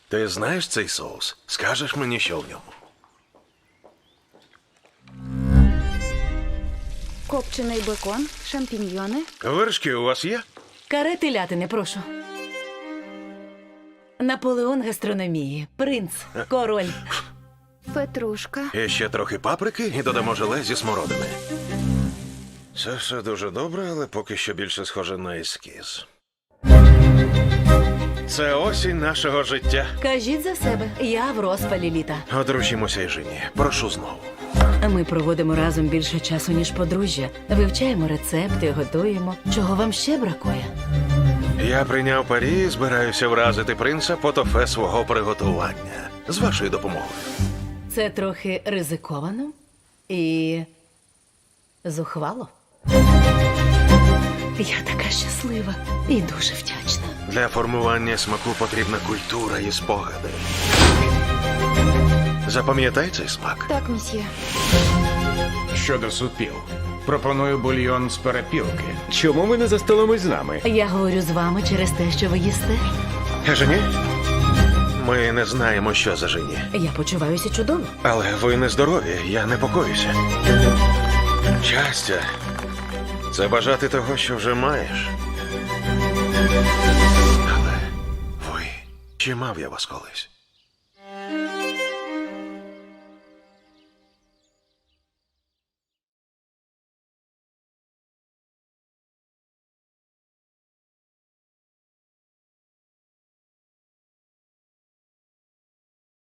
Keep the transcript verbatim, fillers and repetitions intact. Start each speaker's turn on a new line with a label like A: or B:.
A: Ти знаєш цей соус? Скажеш мені, що в ньому?
B: Копчений бекон, шампіньйони.
A: Вершки у вас є?
C: Каре телятини, прошу. Наполеон гастрономії. Принц. Король.
B: Петрушка.
A: І ще трохи паприки і додамо желе зі смородини. Це все дуже добре, але поки що більше схоже на ескіз. Це осінь нашого життя.
C: Кажіть за себе. Я в розпалі літа.
A: Одружімося і жені. Прошу знову.
C: Ми проводимо разом більше часу, ніж подружжя. Вивчаємо рецепти, готуємо. Чого вам ще бракує?
A: Я прийняв парі і збираюся вразити принца по тофе свого приготування. З вашою допомогою.
C: Це трохи ризиковано і зухвало. Я така щаслива і дуже вдячна.
A: Для формування смаку потрібна культура і спогади. Запам'ятай цей смак.
B: Так, мсьє.
D: Щодо супів, пропоную бульйон з перепілки.
E: Чому ви не за столом із нами?
C: Я говорю з вами через те, що ви їсте.
A: Жені? Ми не знаємо, що за жені.
C: Я почуваюся чудово.
A: Але ви не здорові, я непокоюся. Щастя – це бажати того, що вже маєш. Але ви, чи мав я вас колись?